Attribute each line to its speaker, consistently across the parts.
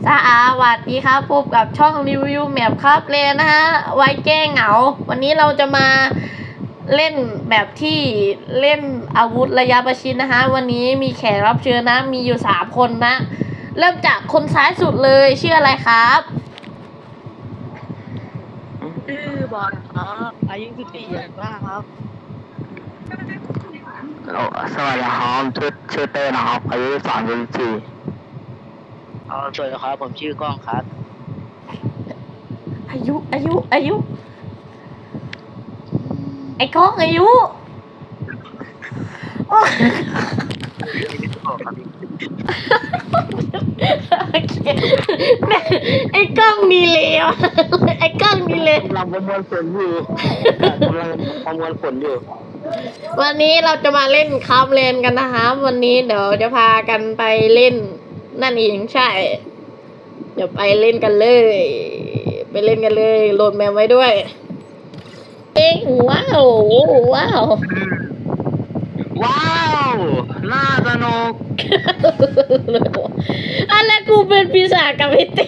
Speaker 1: สวัสดีครับพบกับช่องรีวิวแมปครับเลนนะฮะไว้แก้เหงาวันนี้เราจะมาเล่นแบบที่เล่นอาวุธระยะประชิดนะฮะวันนี้มีแขกรับเชิญนะมีอยู่3 คนนะเริ่มจากคนซ้ายสุดเลยชื่ออะไรครับ
Speaker 2: ชื่อบอลครับอายุ14อย่างมากครับ
Speaker 3: สวัสดีครับชื่อเต้นะครับอายุ34
Speaker 2: สวัสดีครับผมชื่อกล้องครับ
Speaker 1: อายุไอ้ก้องอายุโอเคไอ้กล้องมีเลวไอ้กล้องมีเลว
Speaker 3: กำลังประมวลผลอยู่
Speaker 1: วันนี้เราจะมาเล่นคาบเลนกันนะคะวันนี้เดี๋ยวจะพากันไปเล่นนั่นเองใช่เดี๋ยวไปเล่นกันเลยโหลดแมวไว้ด้วยว้าว
Speaker 3: น่าสนุก
Speaker 1: อะไรกูเป็นปีศาจกับไอ้เต้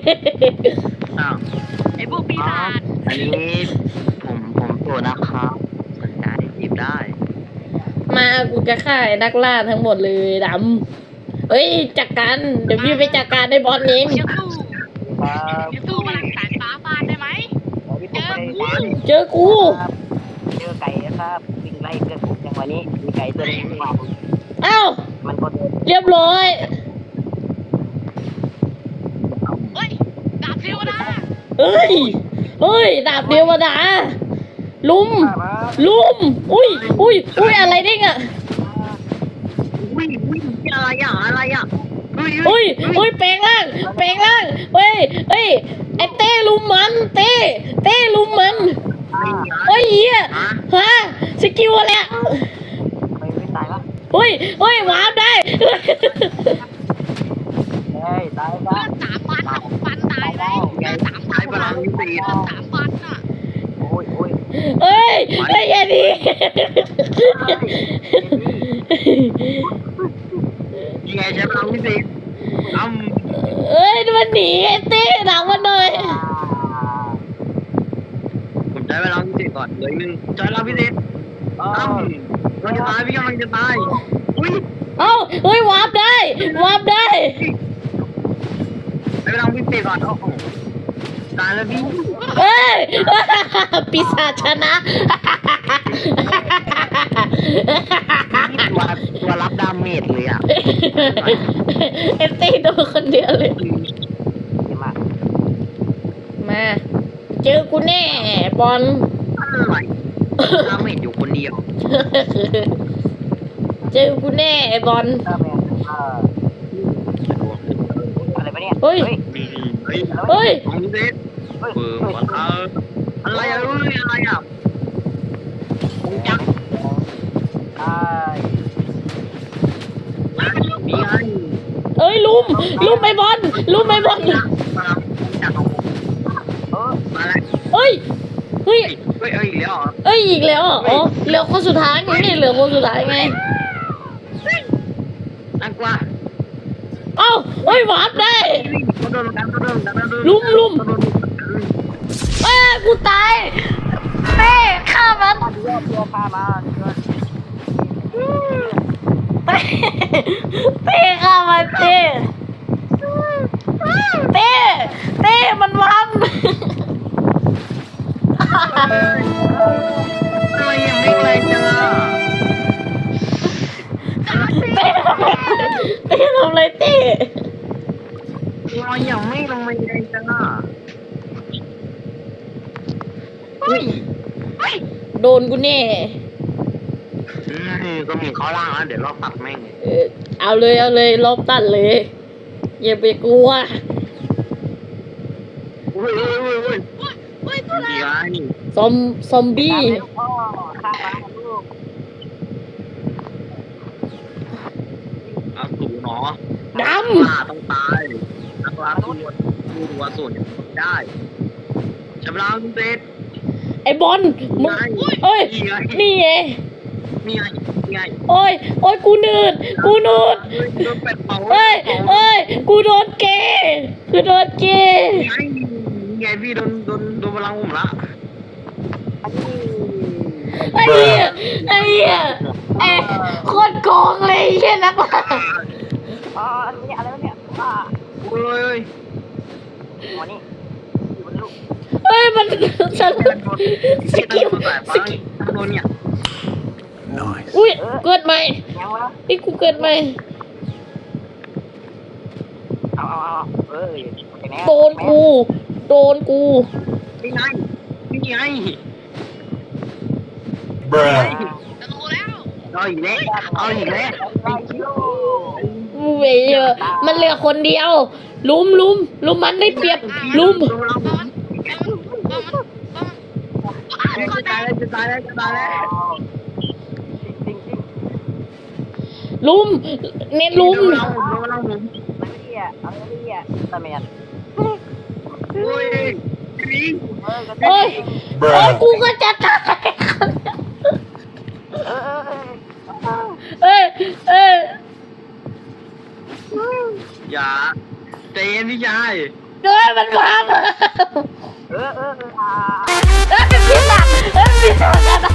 Speaker 2: ไอ้พวกปีศาจ
Speaker 3: อันนี้ผมตัวนะครับสนใจจีบได้
Speaker 1: มากูจะฆ่าไอ้นักล่าทั้งหมดเลยดำเฮ้ยจัดการเดี๋ยวพี่ไปจัดการในบอลเอง
Speaker 2: สู้พลังสายฟ้าฟาดได้ไหม
Speaker 1: เจอกู
Speaker 2: เจอไก่ครับวิ่งไล่เพื่อนผมจังวันนี้มีไก่ตัวนึงมา
Speaker 1: เอ้า
Speaker 2: มันก็เดิน
Speaker 1: เรียบร้อย
Speaker 2: เฮ้ยดาบเทวดา
Speaker 1: เฮ้ยดาบเดียวมาด่าลุมอุ้ยอะไรเด้งอ่ะ
Speaker 3: วิ่งอะไรอ่ะ
Speaker 1: อุ้ยแปลงร่างเฮ้ยไอ้เต้ลุมมันเต้ลุมมันเฮ้ยเหี้ยฮะสกิลอะไรอ่ะ
Speaker 2: ไม่ตายละ
Speaker 1: เฮ้ยวาร์ปได้
Speaker 2: เฮ้ยตายละฟันตายเลย
Speaker 3: ใช้พลังวิเศษ
Speaker 2: ฟันอ่ะโอ้ย
Speaker 1: เฮ้ยอย่าดี
Speaker 3: ยังไงใช้พลังวิเศษ
Speaker 1: เอ้ยมันหนีไอ้เต้หนังมันเลย
Speaker 3: ผมใช้พลังวิเศษก่อนเลยใช้พลังวิเศษมันจะตายพี่กำลังจะตาย
Speaker 1: เฮ้ยวาร์ปได้
Speaker 3: ใช้พลังวิเศษก่อนโอ้โหตายแล้วพี่
Speaker 1: เฮ้ย ปีศาจชนะ
Speaker 3: ตัวรับดาเมจเลยอ่ะ
Speaker 1: เอฟตีโดนคนเดียวเลย มาเจอกูแน่บอล
Speaker 3: อะไรดาเมจอยู่คนเดียว
Speaker 1: เจอกูแน่ไอ้บอล
Speaker 2: อะไรปะเนี่ย
Speaker 1: เฮ้ย
Speaker 3: ของเซตอะไรอ่ะผมจักมีไง
Speaker 1: เอ้ยลุมไอ้บอล
Speaker 3: มาแล้ว
Speaker 1: เฮ้ย
Speaker 3: อีกแล้ว
Speaker 1: อ๋อเหลือคนสุดท้ายไงน่ากลัวเฮ้ยวาร์ปได้ลุมกูตายเต้ฆ่ามัน
Speaker 2: ตัวพามา
Speaker 1: เต้ฆ่ามันเต้มันวาร์ป
Speaker 3: ทำไมยังไม่แรงจังอ่ะ
Speaker 1: เต้ทำอะไรเต้
Speaker 3: มันยังไม่ลงมาแรงจังอ่ะ
Speaker 1: โดนกูแน่
Speaker 3: ก็มีข้อล่างแล้วเดี๋ยวรอบตัดแม่ง
Speaker 1: เอาเลยลบตัดเลยอย่าไปกลัว
Speaker 3: ดีไง
Speaker 1: ซอมบี้
Speaker 2: ข้ามาลูก
Speaker 3: สูงเนาะ
Speaker 1: ด
Speaker 3: ต้องตายนักล่าตัวส่วนได้ชำระเซต
Speaker 1: ำไอ้บอลมึงเอ้ยนี่ไง
Speaker 3: นี่ไง
Speaker 1: โอ้ยกูหนืด
Speaker 3: โดนเป็ดเผา
Speaker 1: เอ้ยกูโดนเกย์คือโดนกิน
Speaker 3: ไงพี่โดนพลังผมละ
Speaker 1: ไอ้เหี้ยไอ้เหี้ยไอ้โคตรโกงเลยไอ้เหี้ยนักล่า
Speaker 2: อ๋ออันนี้อะไรวะเนี่ยว่า
Speaker 3: โอ้ย
Speaker 2: หัวนี่อยู่บนลูก
Speaker 1: เฮ้ยมันฉันสกิลสกิล
Speaker 3: โดนเนี่ย
Speaker 1: อุ้ยเกิดใหม่
Speaker 2: ยังวะ
Speaker 1: นี่กูเกิดใหม่
Speaker 2: เอาเอ้ย
Speaker 1: โดนกูโดนกู
Speaker 3: นี่ไงนี่ไง
Speaker 4: Bruh.
Speaker 3: เอาอีกแล้วเอาอีกแล้ว
Speaker 1: กูเวยเยอะมันเหลือคนเดียวลุมมันได้เปรียบลุม
Speaker 3: จะตายแล้ว
Speaker 2: จริง
Speaker 1: ลุมเน้นลุม
Speaker 3: โดนพลังผม
Speaker 2: ไม่ดีอ่ะเอาไม่ดีอ่ะตะเมียน
Speaker 3: โอ้ยพี่
Speaker 1: โอ้ยโอ้ยกูก็จะตาย เอ้ย
Speaker 3: อย่าใจเย็นพี่ชาย
Speaker 1: เอ้ยมันมาเอ้ยพี่หลักพี่หลักกัน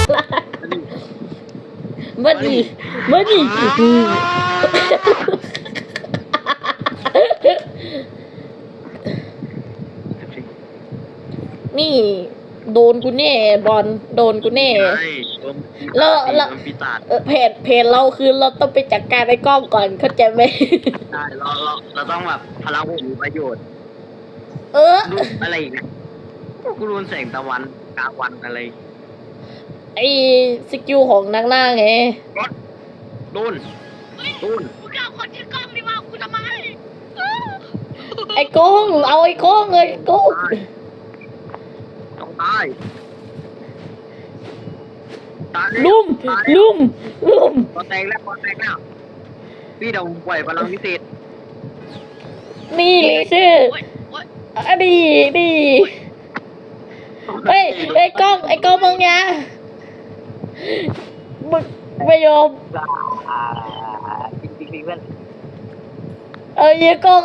Speaker 1: มาดินี่โดนกูแน่บอลโดนกูแน่ แล้ว
Speaker 3: ปีศาจ
Speaker 1: เพจเราคือเราต้องไปจัดการไอ้กล้องก่อนเข้าใจไหม
Speaker 3: ใช่เราต้องแบบพลังผมมีประโยชน์
Speaker 1: เออ
Speaker 3: รูปอะไรอีกนะกูรูนแสงตะวันกลางวันอะไร
Speaker 1: ไอ้สกิลของนักล่าไง
Speaker 3: โดน
Speaker 5: กูจะเอาคนชื่อกล้องดีกว่ากูทำไม
Speaker 1: ไอ้กล้องเอาไอ้กล้องเลยกล้อง
Speaker 3: ต้องตาย
Speaker 1: ลุม
Speaker 3: พอแตกแล้วพี่เดี๋ยวปล่อยพลังพิเศษ
Speaker 1: นี่เลยชื่อ
Speaker 5: โอ๊ยโอ๊ย
Speaker 1: อะดีเฮ้ยไอ้กล้องมึงยะมึงไม่ยอม
Speaker 2: จริงเพื่อน
Speaker 1: เอาเยี่ยกล้อง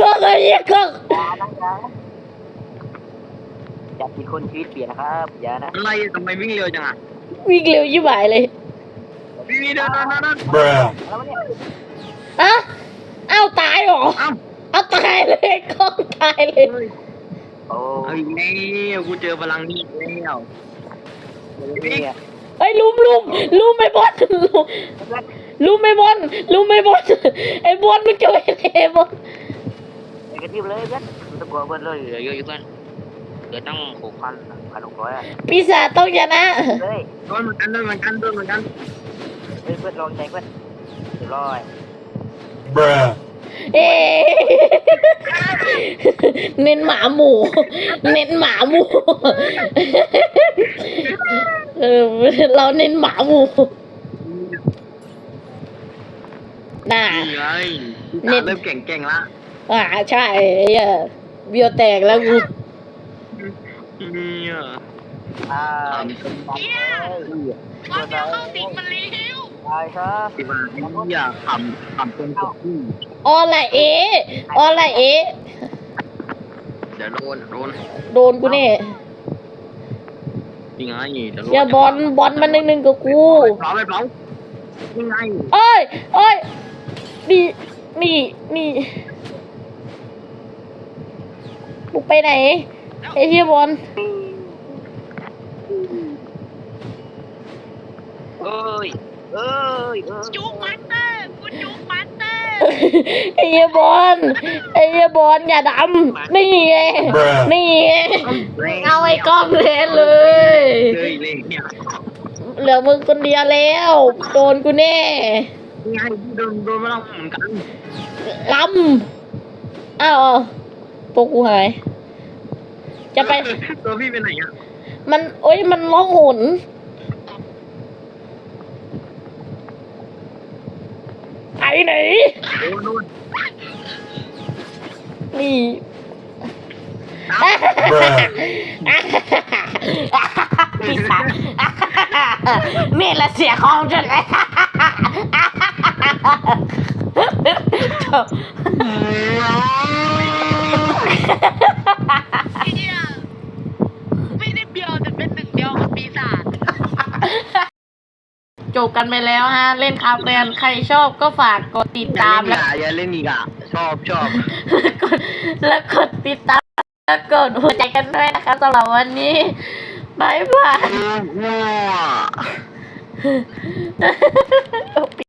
Speaker 2: อยากกินคนชีวิตเปลี่ยนนะครับอย่านะ
Speaker 3: อะไรทำไมวิ่งเร็วจังอ่ะ
Speaker 1: วิ่งเร็วยิ่งบ่ายเลย
Speaker 3: พี่เดิน
Speaker 4: Bruh.
Speaker 2: แล้วเนี่ย
Speaker 1: อะเอ้าตายเหรอ
Speaker 3: เอ้า
Speaker 1: เอาตายเลยกล้องตายเลย
Speaker 2: โอ้
Speaker 3: เอาอีกแล้วกูเจอพลังนี้แล้ว
Speaker 2: เนี่ย
Speaker 1: ไอ้ยลุมไม่บอลลุมไม่บอลไอ้บอลมันจะไปไหนบอล
Speaker 2: ไปกระทิบเลยเพื่อนมันตะกัวเพื่อนเลยเหลือเยอะอยู่เพื่อนเหลือตั้ง6,600อ่ะ
Speaker 1: ปีศาจต้องชนะ
Speaker 2: เฮ้ย
Speaker 3: โดนเหมือนกัน
Speaker 2: เพื่อนลองใจเพื่อนเรียบร้อย
Speaker 4: Bruh.
Speaker 1: เอ๊ะเน้นหมาหมูเราเน้นหมาหมูน่า
Speaker 3: นี่ไงเริ่มเก่งละ
Speaker 1: ใช่เบียวแตกแล้วกู
Speaker 3: เนี่ย
Speaker 5: ความเดียวเข้าสิงมันเลี้ยว
Speaker 2: ตายครับ
Speaker 3: สิบาเนี่ยขำเป็นตัวผู้
Speaker 1: ออละเอะ
Speaker 3: เดี๋ยวโดน
Speaker 1: กูแน่
Speaker 3: ยังไงเดี๋ยว
Speaker 1: อย่าบอลมันหนึ่งกับกู
Speaker 3: เผายังไง
Speaker 1: เอ้ยนี่บุกไปไหนไอ้เหี้ยบอล
Speaker 2: เอ้ย
Speaker 5: จุกมันเตอร์กูจุกมันเตอร์
Speaker 1: ไอ้เหี้ยบอลอย่าดำนี่ไง
Speaker 4: Bruh.
Speaker 1: เอาไอ้กล้องเลย
Speaker 3: เลยเนี่ย
Speaker 1: เหลือมึงคนเดียวแล้วโดนกูแน่
Speaker 3: ยังไงโดนมาแล้วเหมือนกัน
Speaker 1: ลำอ้าวพวกกูหาย จะไป
Speaker 3: ตัวพี่เป็นไหนอ่ะ
Speaker 1: มันร้องหนไปไหน
Speaker 3: โดน
Speaker 1: นี่
Speaker 4: Bruh.
Speaker 1: ปีศาจนี่แหละเสียของฉันเลย
Speaker 5: ไอ้เหี้ยไม่ได้เบียวแต่เป็นหนึ่งเดียวกับปีศาจ
Speaker 1: จบกันไปแล้วฮะ เล่นคาเฟ่ใครชอบก็ฝากกดติดตาม
Speaker 3: อย่าเล่นอีกอ่ะชอบ
Speaker 1: แล้วกดติดตามแล้วกดหัวใจกันด้วยนะคะสำหรับวันนี้บายบาย
Speaker 3: มั่ว